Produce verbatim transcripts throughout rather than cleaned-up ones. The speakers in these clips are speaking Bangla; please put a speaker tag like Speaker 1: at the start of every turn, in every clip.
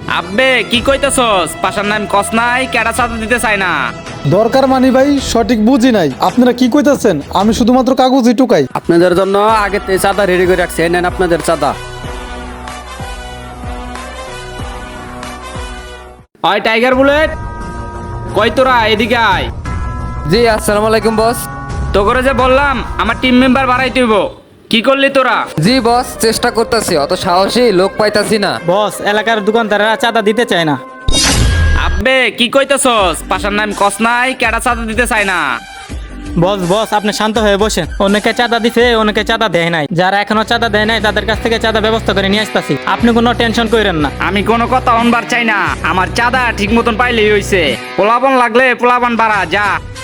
Speaker 1: আব্বে কি কইতেছস? পাশার নাম কস নাই, কেডা চাঁদা দিতে চায় না।
Speaker 2: দরকার মানি ভাই সঠিক বুঝি নাই, আপনারা কি কইতাছেন? আমি শুধুমাত্র কাগজই টুকাই।
Speaker 3: আপনাদের জন্য আগে থেকে চাঁদা রেডি করে রাখছি, এই নেন আপনাদের চাঁদা।
Speaker 1: ওই টাইগার বুলেট, কই তোরা এদিকে আয়।
Speaker 4: জি আসসালামু আলাইকুম বস।
Speaker 1: তো করে যে বললাম আমার টিম মেম্বার বাড়াইতে হইব, কি করলি তোরা?
Speaker 4: জি বস, চেষ্টা করতেছি, অত সাহসী লোক পাইতাছি না।
Speaker 5: বস, এলাকার দোকানদাররা চাঁদা দিতে চায় না।
Speaker 1: আব্বে কি কইতেছস? পাশার নাম কস নাই, কেডা চাঁদা দিতে চায় না।
Speaker 5: বস বস আপনি শান্ত হয়ে বসেন। অনেকে চাঁদা দিছে, অনেকে চাঁদা দেয় নাই। যারা এখনো চাঁদা দেয় নাই তাদের কাছ থেকে চাঁদা ব্যবস্থা করে নিয়ে আসতেছি, আপনি কোনো টেনশন করেন না।
Speaker 1: আমি কোনো কথা অনবার চাই না, আমার চাঁদা ঠিক মতন পাইলেই হইছে। পোলাবন লাগলে পোলাবন বাড়া যা।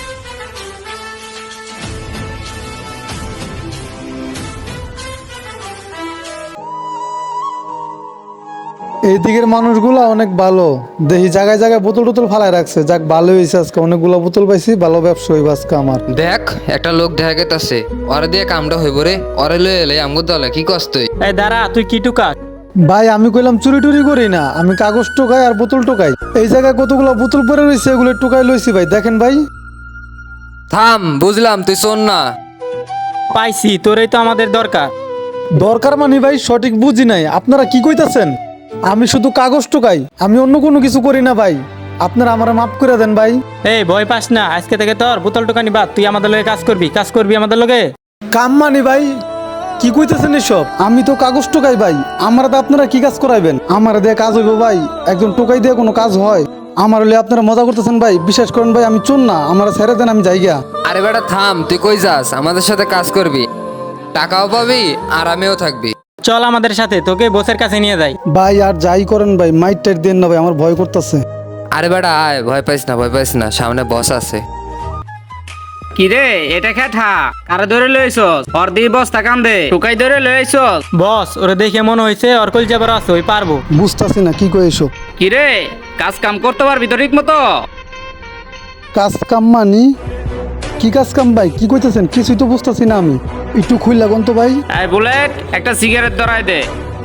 Speaker 2: এই দিকের মানুষগুলা অনেক ভালো, দেখি জায়গায় জায়গায় বোতল টোতল ফালাই রাখছে। যাক ভালো হয়েছে, আজকে অনেকগুলো বোতল পাইছি, ভালো ব্যবসা হইব আজকে আমার।
Speaker 4: দেখ একটা লোক দেখা গেতাছে, ওরে দিয়ে কামটা হইব রে। ওরে লয়ে এলে আমগো দলে কি কষ্ট।
Speaker 5: এই দাঁড়া, তুই কি টুকা?
Speaker 2: ভাই আমি কইলাম চুরি টুরি করি না, আমি কাগজ টোকাই আর বোতল টোকাই। এই জায়গায় কতগুলো বোতল পরে রয়েছে, এগুলো টোকাই লইছি ভাই, দেখেন ভাই।
Speaker 4: থাম, বুঝলাম তুই শোন না।
Speaker 5: পাইছি, তোরই তো আমাদের দরকার।
Speaker 2: দরকার মানি ভাই সঠিক বুঝি নাই, আপনারা কি কইতাছেন? আমি শুধু কাগজ টোকাই, আমি অন্য কোনো কিছু করি না ভাই। আপনারা আমার মাফ করে দেন ভাই।
Speaker 5: এই ভয় পাস না, আজকে থেকে তোর বোতল টোকানি বাদ, তুই আমাদের লগে কাজ করবি, কাজ করবি আমাদের লগে।
Speaker 2: কাম মানি ভাই, কি কইতেছেন এসব? আমি তো কাগজ টোকাই ভাই, আমার তো আপনারা কি কাজ করাইবেন? আমার দিয়ে কাজ হইব ভাই? একজন টোকাই দিয়ে কোনো কাজ হয়? আমার হলে আপনারা মজা করতেছেন ভাই, বিশ্বাস করেন ভাই আমি চোর না, আমার ছেড়ে দেন, আমি যাইগা।
Speaker 4: আরে বেটা থাম, তুই কই যাস? আমাদের সাথে কাজ করবি, টাকাও পাবি, আরামেও থাকবি।
Speaker 5: চল আমাদের সাথে, তোকে বসের কাছে নিয়ে যাই।
Speaker 2: ভাই আর যাই করেন ভাই, মাইট টাইট দেন না ভাই, আমার ভয় করতেছে।
Speaker 4: আরে বেটা আয়, ভয় পাইস না, ভয় পাইস না, সামনে বস আছে।
Speaker 1: কি রে এটা খেঠা কারে ধরে লইছস? ওর দি বস্তা কান্দে টুকাই ধরে লইছস?
Speaker 5: বস, ওরে দেখে মনে হয়েছে ওর কল যাবার আছে, ওই পারবো।
Speaker 2: বুঝতেছি না কি কই এসব।
Speaker 1: কি রে কাজ কাম করতে পারবি তো ঠিক মতো?
Speaker 2: কাজ কাম মানি কি কাজ কাম ভাই, কি কইতেছেন? কিছুই তো বুঝতেছি না আমি, একটু খুল লাগুন তো ভাই।
Speaker 1: এই বুলেট, একটা সিগারেট ধরাই দে।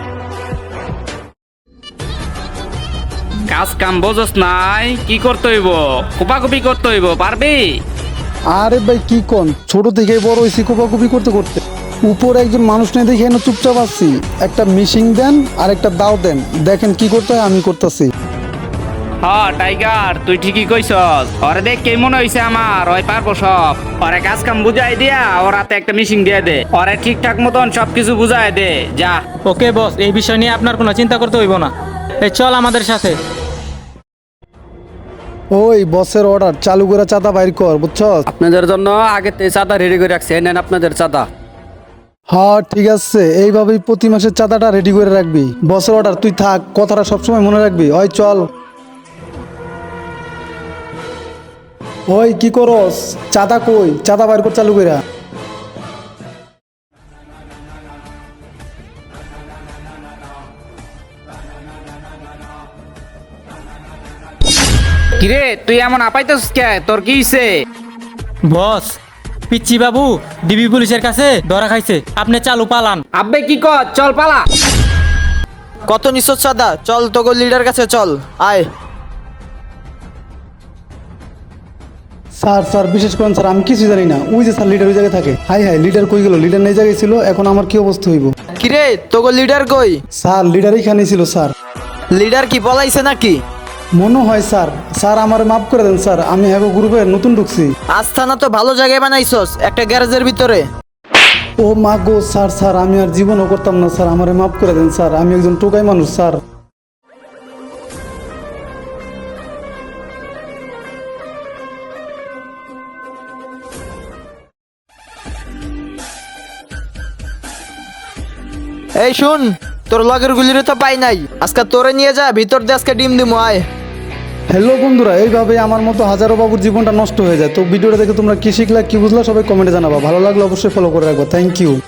Speaker 1: কাজ কাম বোঝস নাই, কি করতে হইব? কোপাকুপি করতে হইব, পারবি?
Speaker 2: আরে ভাই কি কোন, ছোট থেকে বড় হয়েছি কোপাকুপি করতে করতে। উপরে একজন মানুষ নেই দেখে এনে চুপচাপ আছি। একটা মিশিং দেন আর একটা দাও দেন, দেখেন কি করতে হয় আমি করতেছি।
Speaker 1: হ্যাঁ টাইগার, তুই ঠিকই কইছস। ওরে দেখ কে মনে হইছে আমার, ওই পারবো সব। ওরে কাজ কাম বুঝাই দিয়া ওর হাতে একটা মিশিং দিয়ে দে, ওরে ঠিকঠাক মতন সবকিছু বুঝাই দে যা।
Speaker 5: ওকে বস, এই বিষয় নিয়ে আপনার কোনো চিন্তা করতে হইব না। এই চল আমাদের সাথে।
Speaker 2: ওই বসের অর্ডার চালু করে চাঁদা বাইর কর, বুঝছস?
Speaker 3: আপনাদের জন্য আগে থেকে চাঁদা রেডি করে রাখছি, এই নেন আপনাদের চাঁদা।
Speaker 2: হ্যাঁ ঠিক আছে, এইভাবেই প্রতি মাসের চাঁদাটা রেডি করে রাখবি। বসের অর্ডার, তুই থাক, কথাটা সবসময় মনে রাখবি। ওই চল। ওই কি করস? চাঁদা কই? চাঁদা বাইর কর চালু করে।
Speaker 1: কিরে তুই এমন আপাইতেছস কে? তোর কি হইছে?
Speaker 5: বস, পিচ্চি বাবু ডিবি পুলিশের কাছে ধরা খাইছে, আপনি চালু পালান।
Speaker 1: আব্বে কি কর, চল পালা।
Speaker 6: কত নিশ্চয় চাঁদা? চল তোকে লিডার কাছে চল, আয়।
Speaker 2: স্যার স্যার বিশেষ করেন স্যার, আমি কিছু জানি না। ওই যে স্যার লিডার ওই জায়গায় থাকে। হাই হাই, লিডার কই গেল? লিডার নেই জায়গায় ছিল, এখন আমার কি অবস্থা হইব?
Speaker 6: কিরে তোকে লিডার কই?
Speaker 2: স্যার লিডার এখানেই ছিল স্যার।
Speaker 6: লিডার কি পলাইছে নাকি?
Speaker 2: মনে হয় স্যার। স্যার আমার মাফ করে দেন স্যার, আমি হ্যাগো গ্রুপে নতুন ঢুকছি।
Speaker 6: আস্থানা তো ভালো জায়গায় বানাইছস, একটা গ্যারেজের ভিতরে।
Speaker 2: ও মা গো স্যার, স্যার আমি আর জীবনও করতাম না স্যার, আমারে মাফ করে দেন স্যার, আমি একজন টোকাই মানুষ স্যার।
Speaker 6: এই শুন, তোর লগের গুলিরে তো পাই নাই, আজকে তোরে নিয়ে যা ভিতর দিয়ে আজকে ডিম দিমু, আয়।
Speaker 2: হ্যালো বন্ধুরা, এইভাবে আমার মতো হাজারো বাবুর জীবনটা নষ্ট হয়ে যায়। তো ভিডিওটা দেখে তোমরা কি শিখলা, কি বুঝলা, সবাই কমেন্টে জানাবা। ভালো লাগলে অবশ্যই ফলো করে রাখবো। Thank you.